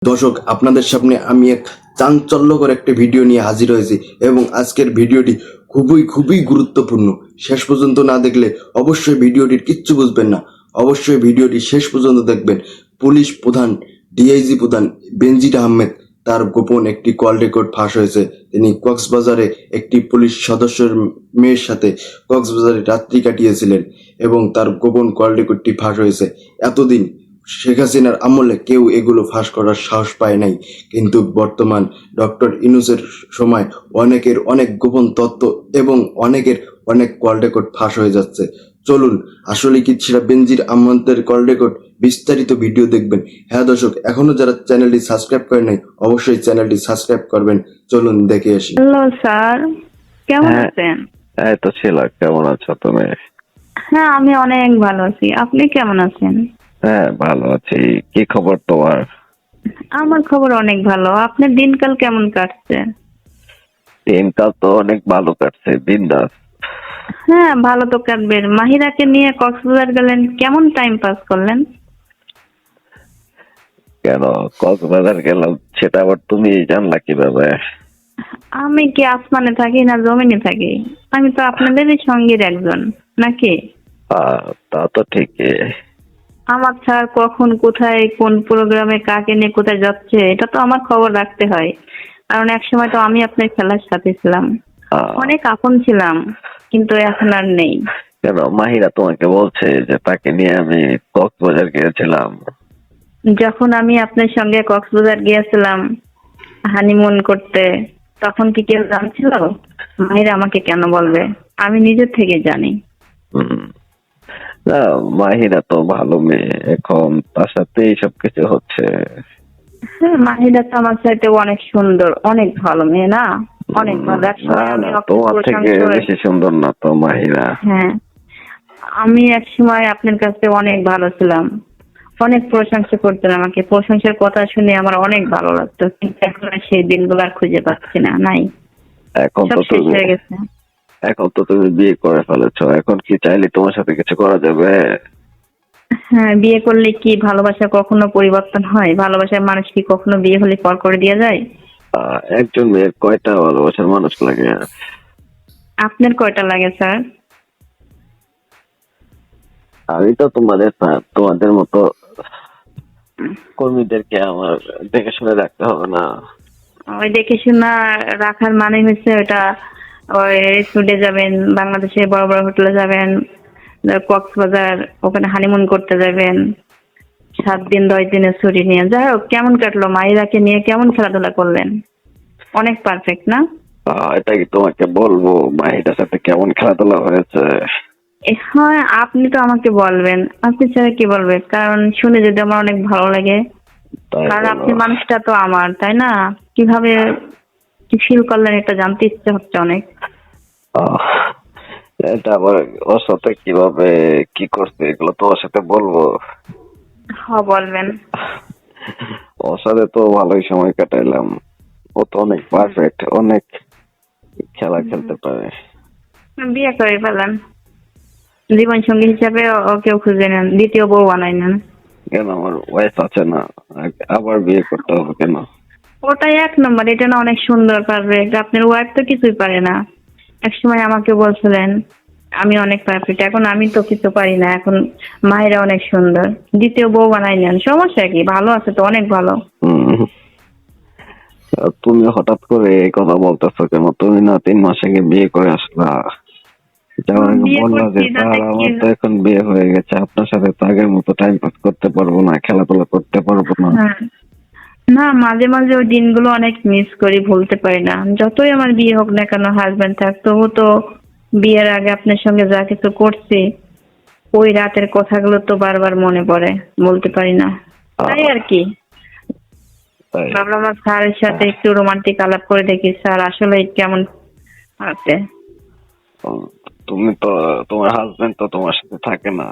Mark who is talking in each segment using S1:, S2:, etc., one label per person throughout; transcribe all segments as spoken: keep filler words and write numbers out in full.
S1: দর্শক, আপনাদের সামনে আমি এক চাঞ্চল্যকর একটা ভিডিও নিয়ে হাজির হয়েছি এবং আজকের ভিডিওটি খুবই খুবই গুরুত্বপূর্ণ। শেষ পর্যন্ত না দেখলে অবশ্যই ভিডিওটির কিচ্ছু বুঝবেন না। অবশ্যই ভিডিওটি শেষ পর্যন্ত দেখবেন। পুলিশ প্রধান ডিআইজি প্রধান বেনজির আহমেদ তার গোপন একটি কল রেকর্ড ফাঁস হয়েছে। তিনি কক্সবাজারে একটি পুলিশ সদস্যের মেয়ের সাথে কক্সবাজারে রাত্রি কাটিয়েছিলেন এবং তার গোপন কল রেকর্ডটি ফাঁস হয়েছে। এতদিন শেখ হাসিনার আমলে কেউ এগুলো ফাঁস করার সাহস পায় নাই, কিন্তু বর্তমান ডক্টর ইউনূসের সময় অনেকের অনেক গোপন তথ্য এবং অনেকের অনেক কল রেকর্ড ফাঁস হয়ে যাচ্ছে। চলুন, আসলে কি সেটা বেনজির আহমেদের কল রেকর্ড? বিস্তারিত ভিডিও দেখবেন। হ্যাঁ দর্শক, এখনো যারা চ্যানেলটি সাবস্ক্রাইব করে নাই অবশ্যই চ্যানেলটি সাবস্ক্রাইব করবেন। চলুন দেখে আসি।
S2: হ্যালো স্যার, কেমন
S3: হ্যাঁ,
S2: আছেন?
S3: এই তো ছিল। কেমন আছো তুমি?
S2: হ্যাঁ, আমি অনেক ভালো আছি। আপনি কেমন আছেন?
S3: হ্যাঁ, ভালো আছি। কি খবর তোমার?
S2: আমার খবর অনেক ভালো। আপনার দিনকাল কেমন কাটছে?
S3: দিনকাল তো অনেক ভালো কাটছে, বিন্দাস।
S2: হ্যাঁ, ভালো তো কাটবে। মাহিরাকে নিয়ে কক্সবাজার গেলেন, কেমন টাইম পাস করলেন?
S3: কেন কক্সবাজার গেলাম সেটা আবার তুমি জানলা কিভাবে?
S2: আমি কি আসমানে থাকি না জমিনে থাকি? আমি তো আপনাদেরই সঙ্গীর একজন, নাকি?
S3: আহ, তা তো ঠিকই।
S2: আমার স্যার কখন কোথায় কোন প্রোগ্রামে কাকে নিয়ে কোথায় যাচ্ছে এটা তো আমার খবর রাখতে হয়। কারণ এক সময় তো আমি আপনার খেলার সাথে ছিলাম,
S3: আহ,
S2: অনেক আপন ছিলাম, কিন্তু এখন আর নেই।
S3: কেন মাহিরা তোমাকে বলছে যে তাকে নিয়ে আমি কক্সবাজার গিয়েছিলাম?
S2: যখন আমি আপনার সঙ্গে কক্সবাজার গিয়েছিলাম হানিমুন করতে, তখন কি কেউ জানছিল? মাহিরা আমাকে কেন বলবে? আমি নিজের থেকে জানি।
S3: হুম, না, মাহিরা তো ভালো মেয়ে, এখন তার সাথে এইসব কিছু হচ্ছে।
S2: হ্যাঁ, মাহিরা তো আমার চাইতে অনেক সুন্দর, অনেক ভালো মেয়ে না? অনেক ভালো। এক
S3: না
S2: সময় আমি
S3: না,
S2: আপনার
S3: তোমার থেকে
S2: প্রশংসা,
S3: বেশি সুন্দর না তো মাহিরা।
S2: হ্যাঁ, আমি এক সময় আপনার কাছে অনেক ভালো ছিলাম, অনেক প্রশংসা করতেন আমাকে। প্রশংসার কথা শুনে আমার অনেক ভালো লাগতো, কিন্তু এখন আর সেই দিনগুলো আর খুঁজে পাচ্ছি না, নাই।
S3: এখন
S2: সব
S3: তো
S2: শেষ
S3: তুমি
S2: হয়ে গেছে।
S3: এখন তো তুমি বিয়ে করে ফেলেছো, এখন কি চাইলে তোমার সাথে কিছু করা যাবে?
S2: হ্যাঁ, বিয়ে করলে কি ভালোবাসা কখনো পরিবর্তন হয়? ভালোবাসার মানুষ কি কখনো বিয়ে হলে পর করে দেওয়া যায়?
S3: আহ, একজন মেয়ের কয়টা ভালোবাসার মানুষ লাগে?
S2: আপনার কয়টা লাগে স্যার?
S3: আমি তো তোমাদের ফ্যান, তোমাদের মতো কর্মীদেরকে আমার দেখে শুনে রাখতে হবে না?
S2: ওই দেখে শোনা রাখার মানে হচ্ছে ওটা, ওই রেস্টুরেন্টে যাবেন, বাংলাদেশে বড় বড় হোটেলে যাবেন, কক্সবাজার ওখানে হানিমুন করতে যাবেন, সাত দিন দশ দিনের ছুটি নিয়ে। যাই হোক, কেমন কাটলো? মাইরাকে নিয়ে কেমন খেলাধুলা করলেন? অনেক পারফেক্ট না?
S3: আহ, এটা কি তোমাকে বলবো মাহিটার সাথে কেমন খেলাধুলা হয়েছে?
S2: এ, হ্যাঁ, আপনি তো আমাকে বলবেন, আপনি ছাড়া কি বলবে? কারণ শুনে যদি আমার অনেক ভালো লাগে,
S3: তাই
S2: কারণ
S3: বলো?
S2: আপনি মানুষটা তো আমার, তাই না? কিভাবে কি ফিল করলেন এটা জানতে ইচ্ছে হচ্ছে অনেক।
S3: আহ, এটা আবার ওর সাথে কিভাবে কি করছে এগুলো তোমার সাথে বলবো?
S2: হ্যাঁ, বলবেন।
S3: ওর সাথে তো ভালোই সময় কাটাইলাম। ও তো অনেক পারফেক্ট, অনেক খেলা খেলতে পারে।
S2: বিয়ে করে ফেলেন, জীবন সঙ্গী হিসাবে ও- ওকেও খুঁজে নেন, দ্বিতীয় বউ বানাই নেন।
S3: কেন, আমার ওয়াইফ আছে না, আবার বিয়ে করতে হবে কেন?
S2: ওটাই এক নম্বর, এটা না অনেক সুন্দর পারফেক্ট। আপনার ওয়াইফ তো কিছুই পারে না। এক সময় আমাকে বলছিলেন আমি অনেক পারফেক্ট, এখন আমি তো কিছু পারি না। এখন মায়েরা অনেক সুন্দর, দ্বিতীয় বউ বানাই নেন, সমস্যা কি? ভালো আছে তো, অনেক ভালো।
S3: হুম, আর তুমি হঠাৎ করে এই কথা বলতেছো কেন? তুমি না তিন মাস আগে বিয়ে করে আসলা, যাওয়ার আগে
S2: বিয়ে
S3: বললা যে
S2: করছি তাতে
S3: স্যার
S2: কি?
S3: আমার তো এখন বিয়ে হয়ে গেছে, আপনার সাথে তো আগের মতো টাইম পাস করতে পারবো না, খেলাধুলা করতে পারবো না।
S2: হ্যাঁ, না, মাঝে মাঝে ওই দিনগুলো অনেক মিস করি, ভুলতে পারি না। যতই আমার বিয়ে হোক না কেন, হাজবেন্ড থাক, তবু তো বিয়ের আগে আপনার সঙ্গে যা কিছু করছি, ওই রাতের কথাগুলো তো বারবার মনে পড়ে, বলতে পারি না, তাই আর কি।
S3: তাই?
S2: ভাবলাম আমার স্যারের সাথে একটু রোমান্টিক আলাপ করে দেখি, স্যার আসলে কেমন আছে।
S3: উম, তুমি তো, তোমার হাজবেন্ড তো তোমার সাথে থাকে না।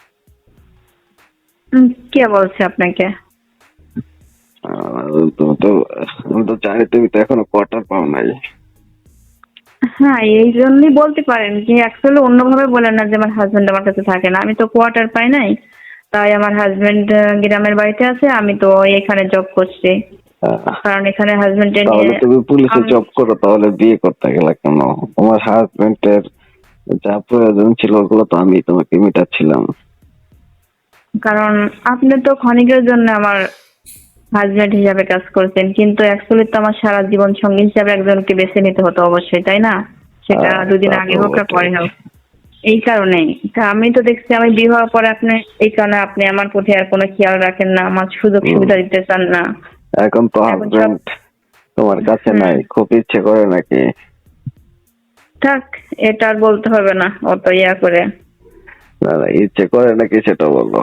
S2: উম, কে বলছে আপনাকে?
S3: আহ, তুমি তো, আমি তো জানি তুমি তো এখনো কোয়ার্টার পাও নাই।
S2: হ্যাঁ, এই জন্যই বলতে পারেন যে অ্যাকচুয়ালি অন্যভাবে বলেন না যে আমার হাজবেন্ড আমার কাছে থাকে না। আমি তো কোয়ার্টার পাই নাই, তাই আমার হাজবেন্ড গ্রামের বাড়িতে আছে, আমি তো এখানে জব করছি।
S3: আহ,
S2: কারণ এখানে হাজবেন্ডের
S3: তাহলে
S2: নিয়ে
S3: তুমি পুলিশে
S2: আমি-
S3: জব করো, তাহলে বিয়ে করতে গেলে কেন? তোমার হাজবেন্ডের যা প্রয়োজন ছিল ওগুলো তো আমি তোমাকে মিটাচ্ছিলাম।
S2: কারণ আপনি তো ক্ষণিকের জন্য আমার হাজবেন্ড হিসাবে কাজ করছেন, কিন্তু অ্যাকচুয়ালি তো আমার সারা জীবন সঙ্গী হিসাবে একজনকে বেছে নিতে হতো অবশ্যই, তাই না? সেটা
S3: হ্যাঁ,
S2: দুদিন
S3: তা তো
S2: আগে হোক আর
S3: বটেই।
S2: পরে হোক। এই কারণেই তা আমি তো দেখছি আমি বিয়ে হওয়ার পরে আপনি এই কারণে আপনি আমার প্রতি আর কোনো খেয়াল রাখেন না, আমার সুযোগ সুবিধা দিতে চান না।
S3: এখন তো
S2: এখন সব-
S3: হাজবেন্ড তোমার কাছে
S2: হুম।
S3: নাই, খুব ইচ্ছে করে নাকি?
S2: থাক, এটা আর বলতে হবে না অত ইয়া করে।
S3: না না, ইচ্ছে করে নাকি সেটা বলো।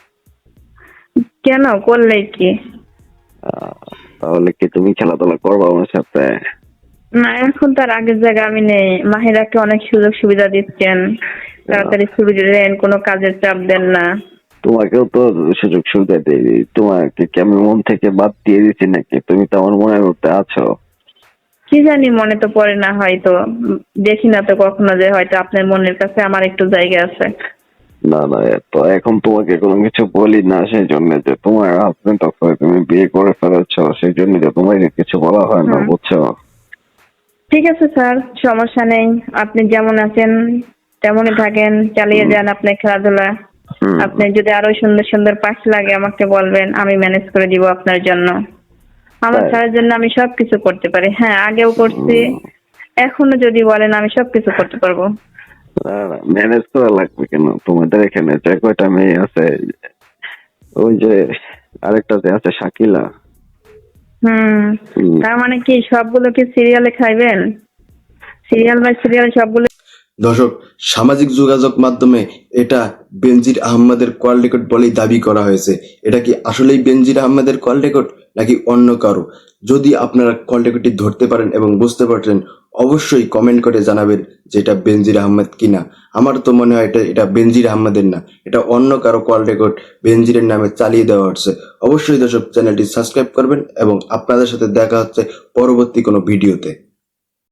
S2: কেন করলেই কি?
S3: আহ, তাহলে কি তুমি খেলাধুলা করবো আমার সাথে?
S2: না, এখন তার আগের জায়গায় আমি নেই। মাহিরাকে অনেক সুযোগ সুবিধা দিচ্ছেন, তাড়াতাড়ি ছুটি দেন, কোনো কাজের চাপ দেন না।
S3: তোমাকেও তো সুযোগ সুবিধা দিই, তোমাকে কি আমি মন থেকে বাদ দিয়ে দিচ্ছি নাকি? তুমি তো আমার মনের মধ্যে আছো।
S2: কি জানি, মনে তো পড়ে না হয়তো, উম, দেখি না তো কখনো যে হয়তো আপনার মনের কাছে আমার একটু জায়গা আছে।
S3: না না, তো এখন তোমাকে কোনো কিছু বলি না সেই জন্য যে তোমার হাজবেন্ড আছে, তুমি বিয়ে করে ফেলেছো, সেই জন্য যে তোমাকে কিছু বলা হয় না,
S2: হুম।
S3: বুঝছো?
S2: ঠিক আছে স্যার, সমস্যা নেই। আপনি যেমন আছেন তেমনই থাকেন, চালিয়ে যান আপনার খেলাধুলা।
S3: হুম।
S2: আপনি যদি আরো সুন্দর সুন্দর পাশ লাগে আমাকে বলবেন, আমি ম্যানেজ করে দিব আপনার জন্য। আমার
S3: তাই?
S2: স্যারের জন্য আমি সবকিছু করতে পারি। হ্যাঁ, আগেও করছি, এখনো যদি বলেন আমি সবকিছু করতে পারবো।
S3: না না, ম্যানেজ করা লাগবে কেন? তোমাদের এখানে যে কয়টা মেয়ে আছে, ওই যে আরেকটা যে আছে শাকিলা,
S2: হুম,
S3: হুম।
S2: তার মানে কি সবগুলো কি সিরিয়ালে খাইবেন? সিরিয়াল বাই সিরিয়াল সবগুলো?
S1: দর্শক, সামাজিক যোগাযোগ মাধ্যমে এটা বেনজির আহমেদের কল রেকর্ড বলেই দাবি করা হয়েছে। এটা কি আসলেই বেনজির আহমেদের কল রেকর্ড নাকি অন্য কারো? যদি আপনারা কল রেকর্ডটি ধরতে পারেন এবং বুঝতে পারছেন, অবশ্যই কমেন্ট করে জানাবেন যে এটা বেনজির আহমেদ কিনা। আমার তো মনে হয় এটা এটা বেনজির আহমেদের না, এটা অন্য কারো কল রেকর্ড বেনজিরের নামে চালিয়ে দেওয়া হচ্ছে। অবশ্যই দর্শক, চ্যানেলটি সাবস্ক্রাইব করবেন এবং আপনাদের সাথে দেখা হচ্ছে পরবর্তী কোনো ভিডিওতে।